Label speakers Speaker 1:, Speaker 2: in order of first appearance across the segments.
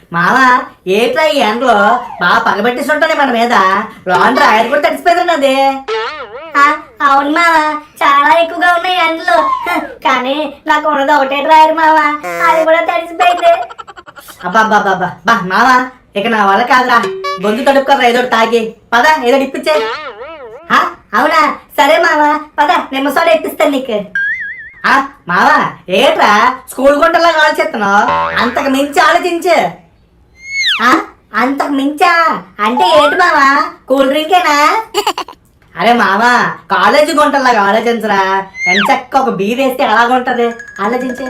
Speaker 1: మావా ఏట్రా ఈ ఎండలో బాగా పగబెట్టిస్తుంటానే మన మీద లాండ్రీ ఆయన కూడా తడిసిపోయింది అది.
Speaker 2: అవును మావా, చాలా ఎక్కువగా ఉన్నాయి ఎండలు. కానీ నాకు ఉన్నది ఒకటే డ్రాయర్ మావా, అది కూడా తడిసిపోయింది.
Speaker 1: అబ్బా మావా ఇక నా వల్ల కాదురా, గొంతు తడుపుకోరా ఏదో తాగి పద ఏదో ఇప్పించే.
Speaker 2: అవునా, సరే మావా పద, నిమ్మసోడ ఇప్పిస్తాను నీకు.
Speaker 1: మావా ఏట్రా స్కూల్ గుంటలా ఆలోచిస్తున్నావు, అంతకు మించి ఆలోచించు.
Speaker 2: అంతకు మించా అంటే ఏంటి మావా, కూల్ డ్రింకేనా?
Speaker 1: అరే మావా కాలేజీ గుంటలాగా ఆలోచించరా, ఎంచక్క ఒక బీర్ వేస్తే ఎలాగుంటది ఆలోచించే.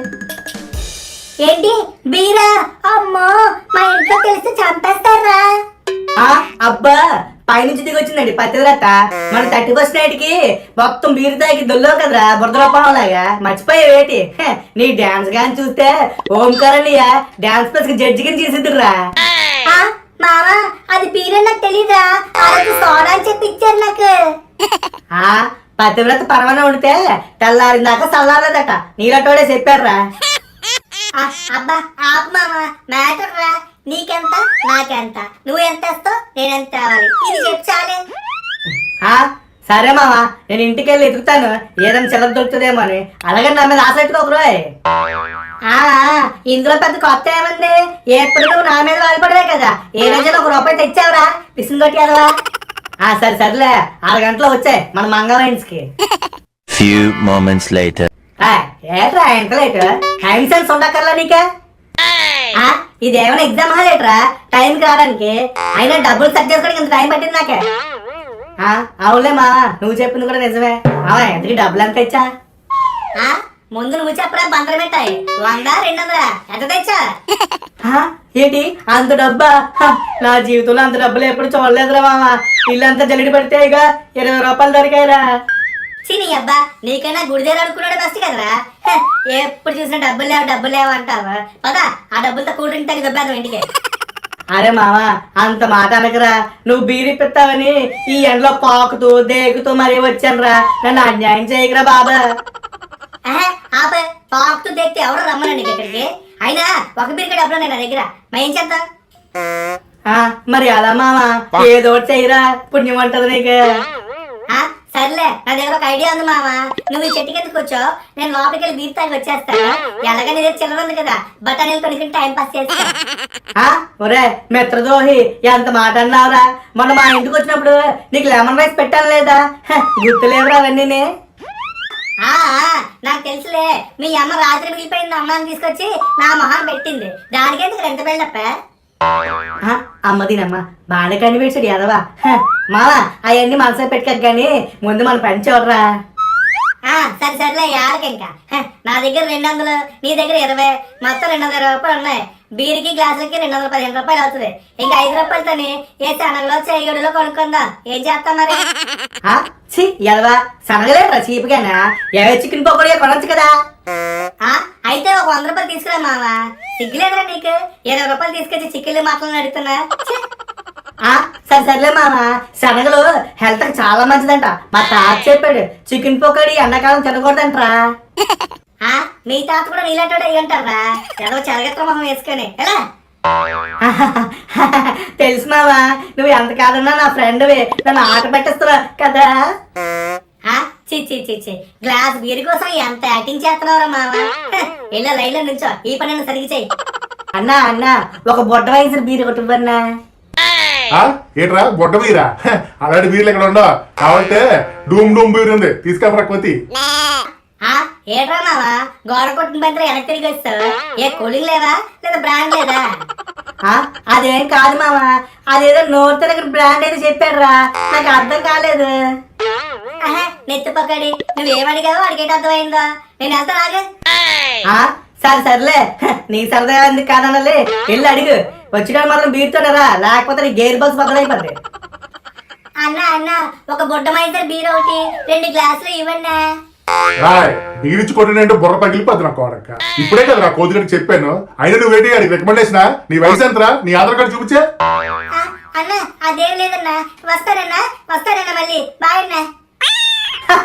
Speaker 2: ఏంటి బీరా? అమ్మో, మా ఇంట్లో తెలిస్తే చంపేస్తారా?
Speaker 1: అబ్బా పైనుంచి దిగి వచ్చిందండి పత్తిరత, మన 31st నైట్ కి మొత్తం బీరు తాగి దొల్లో కదరా బురదలోపంలాగా మర్చిపోయేవేటి. నీ డాన్స్ గాని చూస్తే ఓంకారనియ డాన్స్ ప్లస్ జడ్జి కింద చేసిద్దురా.
Speaker 2: మావా అది బీరే నాకు తెలీదా, సోడా అని చెప్పి ఇచ్చారు నాకు.
Speaker 1: పతివ్రత పరమన ఉండితే తెల్లారిందాక చల్లారదట, నీలటోడే చెప్పారా.
Speaker 2: అబ్బా ఆపు మావా, మ్యాటర్ రా. నీకెంత నాకెంత, నువ్వు ఎంత వేస్తావు నేనెంత తేవాలి, ఇది చెప్పు చాలే.
Speaker 1: సరే మావా, నేను ఇంటికి వెళ్ళి ఎదుగుతాను ఏదైనా చిల్లర దొరుకుతుందేమో అని. అలాగే నా మీద ఆసక్తికోకరోయ్.
Speaker 2: ఇందులో పెద్ద కొత్త ఏముంది, ఎప్పుడు నువ్వు నా మీద వాలిపడవే కదా. ఏ రోజున ₹1 తెచ్చావురా పిసిని కొట్టేదవా.
Speaker 1: సరే సర్లే, 6 గంటలో వచ్చాయి మన మంగళైన్స్ కి.
Speaker 3: Few moments later.
Speaker 1: ఏట్రా ఎంత లేట్, టైం సెన్స్ ఉండక్కర్లా నీకే.
Speaker 2: ఇదేమైనా ఎగ్జామ్ హాలేట్రా టైంకి రావడానికి, అయినా డబ్బులు సెట్ చేసుకోవడానికి ఇంత టైం పట్టింది నాకే.
Speaker 1: అవునులే మా, నువ్వు చెప్పింది కూడా నిజమే. ఎంతకి డబ్బులు ఎంత ఇచ్చా?
Speaker 2: ముందు నువ్వు చెప్పరా, బందరం పెట్టాయి 100 200 ఎంత తెచ్చా?
Speaker 1: ఏంటి అంత డబ్బా? నా జీవితంలో అంత డబ్బులు ఎప్పుడు చూడలేదురా మామ. ఇల్లంతా జల్లిడి పడితే ఇక ₹20 దొరికాయిరా.
Speaker 2: చిని అబ్బా, నీకైనా గుడిదేరు అనుకున్నాడు బెస్ట్ కదరా. ఎప్పుడు చూసినా డబ్బులు లేవు అంటావా. పదా ఆ డబ్బులతో కూల్ డ్రింక్ తాగి దొబ్బేద్దాం ఇంటికి.
Speaker 1: అరే మామ అంత మాట అనకరా, నువ్వు బీరిపిస్తావని ఈ ఎండలో పాకుతూ దేకుతూ మరీ వచ్చానురా, నన్ను అన్యాయం చేయకరా బాబా.
Speaker 2: ఆపే, పాకుతూ దేక్తే ఎవరు రమ్మనండి ఇక్కడికి. అయినా ఒక బీరికి డబ్బులు ఉన్నాయి నా దగ్గర, మరి ఏం చేద్దాం?
Speaker 1: మరి అలా మామ ఏదో చేయరా, పుణ్యం అంటది నీకు.
Speaker 2: సర్లే, నా దగ్గర ఒక ఐడియా ఉంది మామ. నువ్వు ఈ చెట్టు కిందకు వచ్చో, నేను లోపలికి వెళ్ళి బీర్ తాగి వచ్చేస్తాను. ఎలాగ నీ దగ్గర చిల్లర ఉంది కదా, బఠానీలు కొనుక్కుని టైం పాస్ చేస్తా.
Speaker 1: ఒరే మిత్రదోహి ఎంత మాట అన్నావురా. మొన్న మా ఇంటికి వచ్చినప్పుడు నీకు లెమన్ రైస్ పెట్టాను లేదా, గుర్తులేవురా అవన్నీ.
Speaker 2: నాకు తెలుసులే, మీ అమ్మ రాత్రి మిగిలిపోయింది అమ్మాని తీసుకొచ్చి నా మొహం పెట్టింది, దానికైతే ఎంత బిల్డప్.
Speaker 1: అమ్మదినమ్మ బాగా కనిపించాడు ఎదవా. మావా అవన్నీ మనసులో పెట్టుకోక గానీ ముందు మన పని చూడరా.
Speaker 2: సర్లే యాడకి ఇంకా. నా దగ్గర 200, నీ దగ్గర 20, మొత్తం ₹220 ఉన్నాయి. బీరికి గ్లాసులకి ₹215 అవుతుంది. ఇంకా ₹5తోని ఏ సనగలో చేయగడులో కొనుక్కుందాం. ఏం చేస్తాం మరి?
Speaker 1: ఎదవా సనగలేరా చీపుగానా, చికెన్ పకోడీ కొనొచ్చు కదా.
Speaker 2: అయితే ఒక ₹100 తీసుకురా మావా, సిగ్గులేదురా నీకు? ₹20 తీసుకొచ్చి చికెన్లు మాటలు అడుగుతున్నా.
Speaker 1: సర్లే మామ, శనగలు హెల్త్ కి చాలా మంచిదంట. మా తాత చెప్పాడు చికెన్ పకోడీ ఎండాకాలం తినకూడదంటరా.
Speaker 2: మీ తాత కూడా నీలాంటి అయ్యంటారా, ఏదో చెరగత్ర మొహం వేసుకొని ఎలా?
Speaker 1: తెలుసు మావా, నువ్వు ఎంత కాదన్నా నా ఫ్రెండ్వి, నన్ను ఆట పెట్టేస్తున్నా కదా.
Speaker 2: చి గ్లాస్ బీర్ కోసం ఎంత యాక్టింగ్ చేస్తున్నావురా మావా. ఇలా లైన్లో నుంచో, ఈ పని సరిగి చెయ్యి.
Speaker 1: అన్నా ఒక బొడ్డ వయసు బీర్ కొట్టుబన్నా.
Speaker 4: ఏట్రా బొడ్డ బీరా? అలాంటి బీర్లు ఇక్కడ ఉండవు కాబట్టి డూమ్ బీర్ ఉంది, తీసుకెళ్ళరా కొద్ది.
Speaker 2: ఏట్రా మావా, గోడ కొట్టిన బంతి వెనక్కి తిరిగి వస్తావు. ఏ కూలింగ్ లేదా, లేదా బ్రాండ్ లేదా?
Speaker 1: అదేం కాదు మామ, అదేదో నోరు తిరగని బ్రాండ్ ఏదో చెప్పాడురా, నాకు అర్థం కాలేదు.
Speaker 2: నెత్తి పక్కడి నువ్వేమడిగావో అడిగేట అర్థమైందా? నేను వెళ్తా నాగే.
Speaker 1: సర్లే, నీ సరదా ఎందుకు కాదన్నలే, వెళ్ళి అడుగు. వచ్చిన మాత్రం బీరుతోనరా, లేకపోతే నీ గేర్ బాక్స్ బద్దలైపోద్ది.
Speaker 2: అన్న ఒక బుడ్డ మైసర్ బీర్ ఒకటి 2 గ్లాసులు ఇవ్వండి.
Speaker 4: బీరిచ్చి కొట్టినంటే బుర్ర పగిలిపోద్ది నా కోడక్క. ఇప్పుడే కదా నా కోతిగడికి చెప్పాను, అయినా నువ్వు ఏంటి అడిగి రికమెండేషన్? నీ వయసు ఎంతరా? నీ ఆధార్ కార్డు చూపించే.
Speaker 2: అన్న అదేం లేదన్నా, వస్తానన్నా మళ్ళీ బాయ్ అన్నా.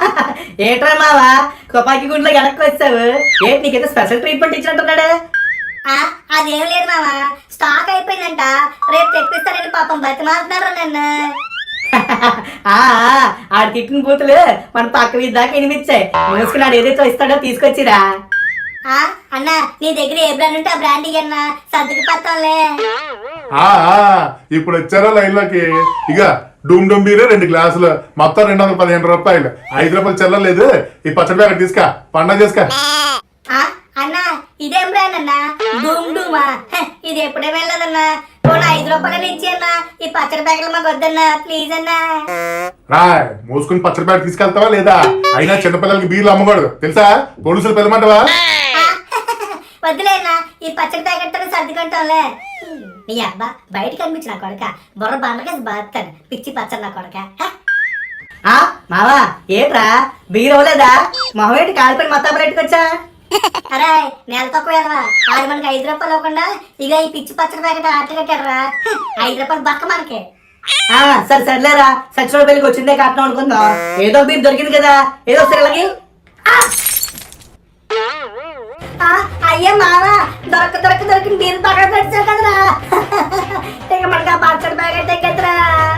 Speaker 1: ఏట్రా మావా తుపాకి గుండ్లో వెనక్కి వచ్చావు, ఏంటి నీకైతే స్పెషల్ ట్రీట్మెంట్ ఇచ్చినట్టున్నాడు.
Speaker 2: ఆ, అదేం లేదు మామ, స్టాక్ అయిపోయిందంట. రేపు తెప్పిస్తానని పాపం బతిమాలుతున్నారు నన్ను.
Speaker 1: ఆడు తిట్టిన బూతులు మన పక్క వీధి దాకా వినిపించాయి. మూసుకున్నాడు ఏదైతే ఇస్తాడో తీసుకొచ్చిరా.
Speaker 2: ఆ, అన్నా నీ దగ్గర ఏ బ్రాండ్ ఉంటే ఆ బ్రాండ్ ఇయ్యన్నా, సర్దుకు పత్తాంలే.
Speaker 4: ఆ ఆ, ఇప్పుడు వచ్చారో లైన్ లోకి. ఇక డూమ్ డూమ్ బీరే 2 గ్లాసులు, మొత్తం 215 రూపాయలు. 5 రూపాయలు చెల్లలేదు. ఈ పచ్చడి ప్యాకెట్ తీసుకా, పండగ చేసుకా.
Speaker 2: ఆ, అన్నా ఇదేం బ్రాండ్ అన్నా? డూమ్ డూమా? హ, ఇది ఎప్పుడే వెళ్ళదన్నా. పోనీ 5 రూపాయలు ఇచ్చి అన్నా, ఈ పచ్చడి ప్యాకెట్లు మాకు వద్దన్నా, ప్లీజ్ అన్నా.
Speaker 4: రాయ్, మూసుకుని పచ్చడి ప్యాకెట్ తీసుకెళ్తావా లేదా? అయినా చిన్నపిల్లలకి బీర్లు అమ్మకూడదు తెలుసా? పోలీసులు పిలమంటావా?
Speaker 2: వద్దులేనా, ఈ పచ్చడి ప్యాకెట్ తో సర్దుకుంటాంలే. నీ అబ్బా బయట కనిపించిన కొడక, బుర్ర బండకేసి బాస్తాను పిచ్చి పచ్చడి నా కొడక. హ,
Speaker 1: మావా ఏట్రా బీర్ అవ్వలేదా? మొహమేటి కాలిపోయి మొత్తం పెట్టుకొచ్చా.
Speaker 2: అరే నెల తక్కువ వెళ్ళవా, ఆడు మనకి 5 రూపాయలు అవ్వకుండా ఇక ఈ పిచ్చి పచ్చడి ప్యాకెట్ ఆట కట్టారా. 5 రూపాయలు బక్క మనకి.
Speaker 1: సరే సర్లేరా, సచిన పెళ్లికి వచ్చిందే కట్నం అనుకుందాం. ఏదో బీర్ దొరికింది కదా, ఏదో సరేలకి.
Speaker 2: అయ్యో మామ, దొరక దొరికిన బీరు పక్కన పెట్టావు కదరా. ఇక మనకి ఆ పచ్చడి ప్యాకెట్ ఎక్కద్దురా.